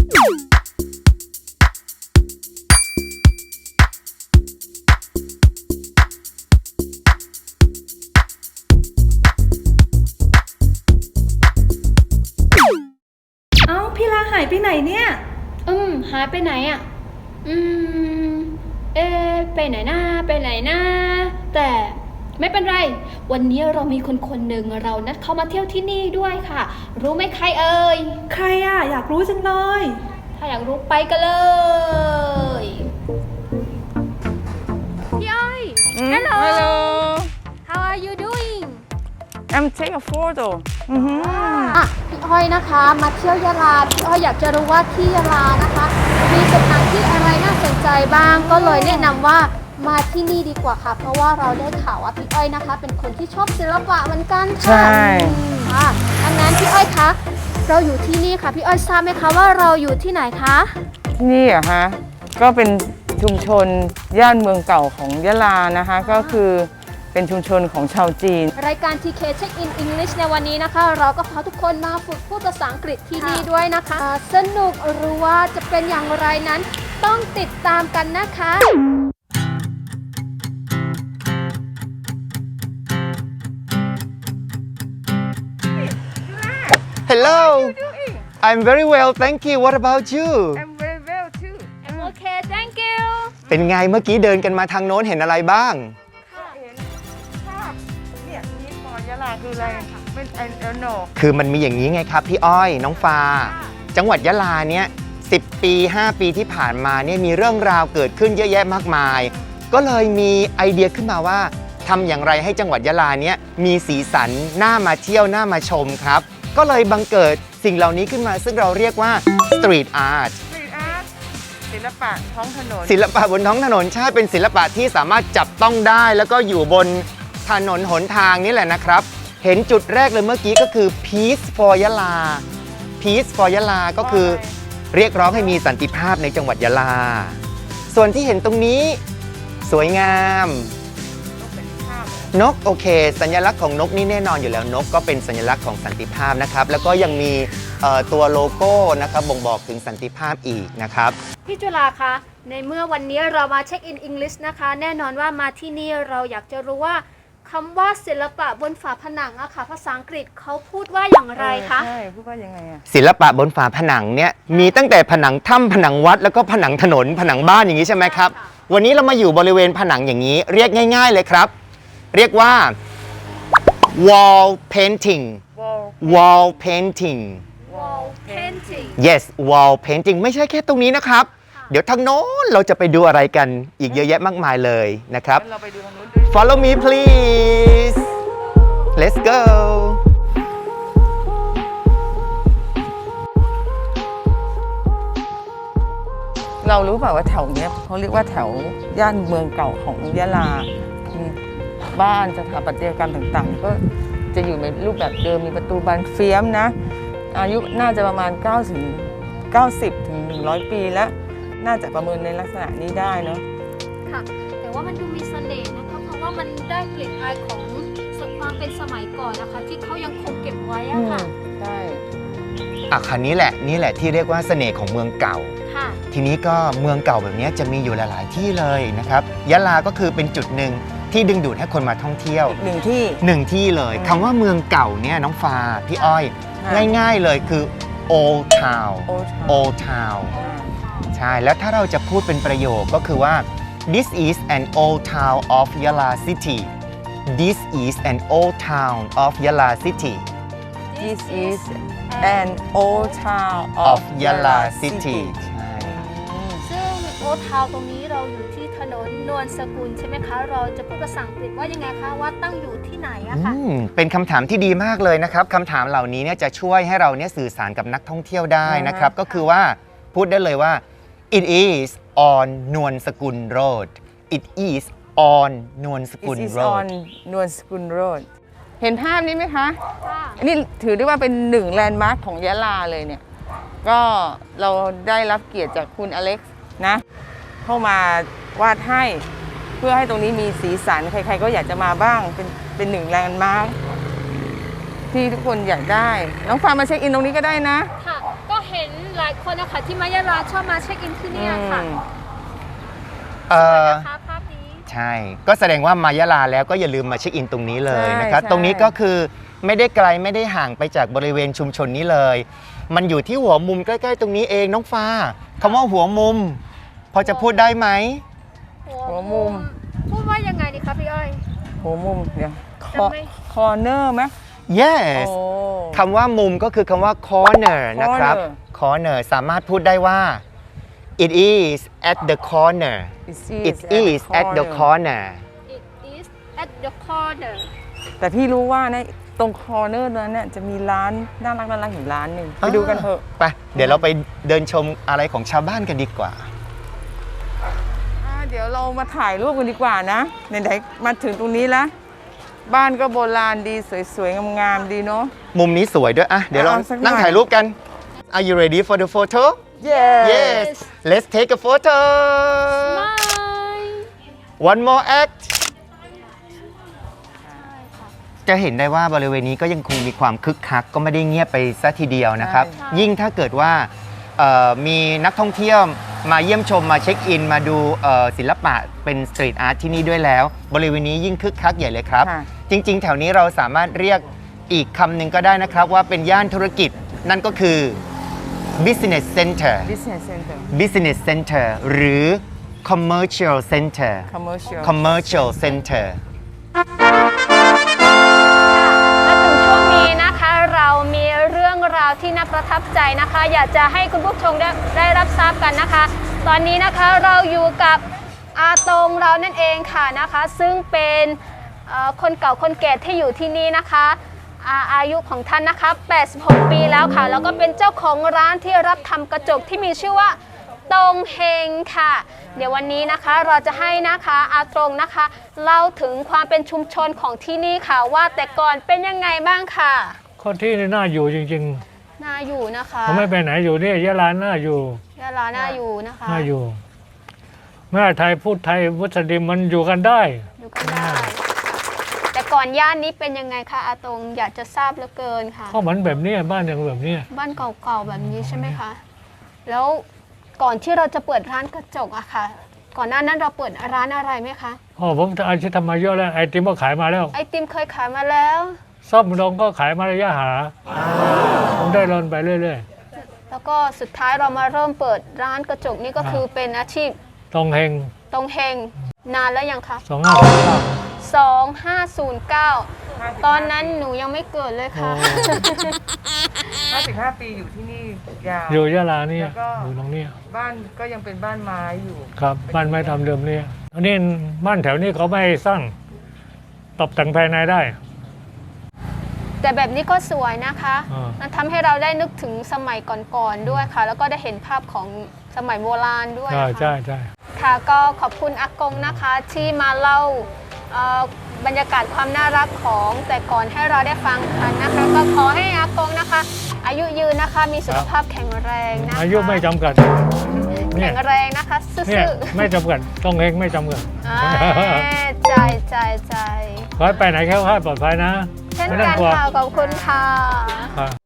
เอ้าพี่ลาหายไปไหนเนี่ยหายไปไหนอ่ะไปไหนนะแต่ไม่เป็นไรวันนี้เรามีคนหนึ่งเรานัดเขามาเที่ยวที่นี่ด้วยค่ะรู้ไหมใครเอ่ยใครอ่ะอยากรู้จังเลยถ้าอยากรู้ไปกันเลยพี่อ้อย Hello How are you doing I'm taking a photo พี่อ้อยนะคะมาเที่ยวยะลาพี่อ้อยอยากจะรู้ว่าที่ยะลานะคะมีสถานที่อะไรน่าสนใจบ้างก็เลยแนะนำว่ามาที่นี่ดีกว่าค่ะเพราะว่าเราได้ข่าวว่าพี่อ้อยนะคะเป็นคนที่ชอบศิลปะเหมือนกันค่ะใช่ดังนั้นพี่อ้อยคะเราอยู่ที่นี่ค่ะพี่อ้อยทราบไหมคะว่าเราอยู่ที่ไหนคะที่นี่เหรอฮะก็เป็นชุมชนย่านเมืองเก่าของยะลานะคะก็คือเป็นชุมชนของชาวจีนรายการ TK Check in English ในวันนี้นะคะเราก็พาทุกคนมาฝึกพูดภาษาอังกฤษที่นี่ด้วยนะคะสนุกหรือว่าจะเป็นอย่างไรนั้นต้องติดตามกันนะคะ Hello. I'm very well, thank you. What about you? I'm very well too I'm okay thank you เป็นไงเมื่อกี้เดินกันมาทางโน้นเห็นอะไรบ้างเห็นภาพเนี่ยนี่ปอยะลาคืออะไรเป็นโนคือมันมีอย่างนี้ไงครับพี่อ้อยน้องฟ้าจังหวัดยะลาเนี่ย10 ปี 5 ปีที่ผ่านมาเนี่ยมีเรื่องราวเกิดขึ้นเยอะแยะมากมายก็เลยมีไอเดียขึ้นมาว่าทำอย่างไรให้จังหวัดยะลาเนี่ยมีสีสันน่ามาเที่ยวน่ามาชมครับก็เลยบังเกิดสิ่งเหล่านี้ขึ้นมาซึ่งเราเรียกว่า Street Art ศิลปะท้องถนนศิลปะบนท้องถนนใช่เป็นศิลปะที่สามารถจับต้องได้แล้วก็อยู่บนถนนหนทางนี่แหละนะครับเห็นจุดแรกเลยเมื่อกี้ก็คือ Peace for ยะลา Peace for ยะลาก็คือเรียกร้องให้มีสันติภาพในจังหวัดยะลาส่วนที่เห็นตรงนี้สวยงามนกโอเคสัญลักษณ์ของนกนี่แน่นอนอยู่แล้วนกก็เป็นสัญลักษณ์ของสันติภาพนะครับแล้วก็ยังมีตัวโลโก้นะครับบ่งบอกถึงสันติภาพอีกนะครับพี่จุฬาคะในเมื่อวันนี้เรามาเช็คอินอังกฤษนะคะแน่นอนว่ามาที่นี่เราอยากจะรู้ว่าคำว่าศิลปะบนฝาผนังอะค่ะภาษาอังกฤษเขาพูดว่าอย่างไรคะใช่พูดว่ายังไงอะศิลปะบนฝาผนังเนี่ยมีตั้งแต่ผนังถ้ำผนังวัดแล้วก็ผนังถนนผนังบ้านอย่างนี้ใช่ไหมครับวันนี้เรามาอยู่บริเวณผนังอย่างนี้เรียกง่ายๆเลยครับเรียกว่า wall painting wall painting wall painting yes wall painting ไม่ใช่แค่ตรงนี้นะครับเดี๋ยวทางโน้นเราจะไปดูอะไรกันอีกเยอะแยะมากมายเลยนะครับเราไปดูทางนู้นด้วย Follow me please let's go เรารู้เปล่าว่าแถวเนี้ยเขาเรียกว่าแถวย่านเมืองเก่าของยะลาบ้านสถาปัตยกรรมต่างๆก็จะอยู่ในรูปแบบเดิมมีประตูบานเฟียมนะอายุน่าจะประมาณ90 ถึง 100 ปีแล้วน่าจะประเมินในลักษณะนี้ได้เนาะค่ะแต่ว่ามันดูมีเสน่ห์นะคะเพราะว่ามันได้กลิ่นอายของความเป็นสมัยก่อนนะคะที่เขายังคงเก็บไว้อะค่ะใช่คันนี้แหละที่เรียกว่าเสน่ห์ของเมืองเก่าทีนี้ก็เมืองเก่าแบบนี้จะมีอยู่หลายๆที่เลยนะครับยะลาก็คือเป็นจุดหนึ่งที่ดึงดูดให้คนมาท่องเที่ยวหนึ่งที่เลยคำว่าเมืองเก่าเนี่ยน้องฟ้าพี่อ้อยง่ายๆเลยคือ old town ใช่แล้วถ้าเราจะพูดเป็นประโยคก็คือว่า this is an old town of Yala city this is an old town of Yala city this is an old town of Yala city ซึ่งโอทาวตรงนี้เราอยู่ที่ถนนนวลสกุลใช่ไหมคะเราจะพูดภาษาอังกฤษว่ายังไงคะว่าตั้งอยู่ที่ไหนอะคะเป็นคำถามที่ดีมากเลยนะครับคำถามเหล่านี้เนี่ยจะช่วยให้เราเนี่ยสื่อสารกับนักท่องเที่ยวได้นะครับก็คือว่าพูดได้เลยว่า it is on นวลสกุล road it is on นวลสกุล road นวลสกุล road เห็นภาพนี้ไหมคะอันนี้ถือได้ว่าเป็นหนึ่งแลนด์มาร์คของยะลาเลยเนี่ยก็เราได้รับเกียรติจากคุณอเล็กซ์นะเข้ามาวาดให้เพื่อให้ตรงนี้มีสีสันใครๆก็อยากจะมาบ้างเป็นหนึ่งแลนด์มาร์คที่ทุกคนอยากได้น้องฟาร์มมาเช็คอินตรงนี้ก็ได้นะค่ะก็เห็นหลายคนนะคะที่มายะลาชอบมาเช็คอินที่เนี่ยค่ะ นะคะภาพนี้ใช่ ก็แสดงว่ามายะลาแล้วก็อย่าลืมมาเช็คอินตรงนี้เลยนะครับใช่ตรงนี้ก็คือไม่ได้ไกลไม่ได้ห่างไปจากบริเวณชุมชนนี้เลย มันอยู่ที่หัวมุมใกล้ๆตรงนี้เองน้องฟ้าคำว่าหัวมุม พอจะพูดได้ไหมหัวมุมพูดว่ายังไงดีคะพี่อ้อยหัวมุมเดี๋ยวจะไม่คอร์เนอร์ไหม yes โอ้คำว่ามุมก็คือคำว่า corner นะครับ corner corner สามารถพูดได้ว่า it is at the corner it is at the corner It is at the corner แต่พี่รู้ว่าในตรงคอร์เนอร์นั้นเนี่ยจะมีร้านน่ารักอยู่ร้านหนึ่งไปดูกันเถอะไป เดี๋ยวเราไปเดินชมอะไรของชาวบ้านกันดีกว่าเดี๋ยวเรามาถ่ายรูปกันดีกว่านะไหนๆมาถึงตรงนี้แล้ว บ้านก็โบราณดีสวยๆงามๆดีเนาะมุมนี้สวยด้วยอ่ะเดี๋ยวเราเอาสักหน่อยนั่งถ่ายรูปกัน Are you ready for the photo Yes Let's take a photo One more act จะเห็นได้ว่าบริเวณนี้ก็ยังคงมีความคึกคักก็ไม่ได้เงียบไปซะทีเดียวนะครับใช่ยิ่งถ้าเกิดว่ามีนักท่องเที่ยวมาเยี่ยมชมมาเช็คอิน มาดูศิลปะเป็นสตรีทอาร์ตที่นี่ด้วยแล้ว บริเวณนี้ยิ่งคึกคักใหญ่เลยครับค่ะจริงๆ แถวนี้เราสามารถเรียกอีกคำหนึ่งก็ได้นะครับ ว่าเป็นย่านธุรกิจ นั่นก็คือ business center Business Center business center หรือ commercial center Commercial commercial center มาถึงช่วงนี้นะคะเรามีเรื่องราวที่น่าประทับใจนะคะ อยากจะให้คุณผู้ชมได้รับทราบกันนะคะ ตอนนี้นะคะเราอยู่กับอาตงเรานั่นเองค่ะนะคะ ซึ่งเป็นคนเก่าคนแก่ที่อยู่ที่นี่นะคะอายุของท่านนะคะ 86 ปีแล้วค่ะ แล้วก็เป็นเจ้าของร้านที่รับทำกระจกที่มีชื่อว่าตงเฮงค่ะ เดี๋ยววันนี้นะคะเราจะให้นะคะอาตงนะคะเล่าถึงความเป็นชุมชนของที่นี่ค่ะว่าแต่ก่อนเป็นยังไงบ้างค่ะคนที่นี่น่าอยู่จริงน่าอยู่นะคะๆเขาไม่ไปไหนอยู่นี่ยะลาน่าอยู่ยะลาน่าอยู่นะคะน่าอยู่แม่ไทยพูดไทยมุสลิมมันอยู่กันได้อยู่กันได้แต่ก่อนย่านนี้เป็นยังไงคะอาตงอยากจะทราบเหลือเกินค่ะก็เหมือนแบบนี้บ้านอย่างแบบนี้บ้านเก่าๆแบบนี้ใช่ไหมคะแล้วก่อนที่เราจะเปิดร้านกระจกอะค่ะ ก่อนหน้านั้นเราเปิดร้านอะไรไหมคะอ๋อผมอาชีพทำมาเยอะแล้วไอติมก็ขายมาแล้วไอติมเคยขายมาแล้วซ่อมดองก็ขายมาระยะหาผมได้รอนไปเรื่อยแล้วก็สุดท้ายเรามาเริ่มเปิดร้านกระจกนี่ก็คือเป็นอาชีพๆตองเฮงตรงเฮงนานแล้วยังคะ 2539 ตอนนั้นหนูยังไม่เกิดเลยค่ะ 55 ปีอยู่ที่นี่ยาวอยู่ยะลานี่แล้วก็อยู่ตรงนี้บ้านก็ยังเป็นบ้านไม้อยู่ครับบ้านไม้ทำเดิมนี่อันนี้บ้านแถวนี้เขาไม่สร้างตกแต่งภายในได้แต่แบบนี้ก็สวยนะคะอ่ามัมันทำให้เราได้นึกถึงสมัยก่อนๆด้วยค่ะ แล้วก็ได้เห็นภาพของสมัยโบราณด้วยใช่ค่ะใช่ใช่ค่ะก็ขอบคุณอากงนะคะที่มาเล่าบรรยากาศความน่ารักของแต่ก่อนให้เราได้ฟังกันนะคะ ก็ขอให้อากงนะคะ อายุยืนนะคะมีสุขภาพแข็งแรงนะคะอายุไม่จำกัดเนี่แข็ยงแรงนะคะซื่เนี่ยอไม่จำกัดต้องเฮงไม่จำกัดๆใจขอให้ไปไหนแค่ค่าดปลอดภัยนะเช่นไม่ต้อกังนกลัวค่ะขอบคุณค่ะครับ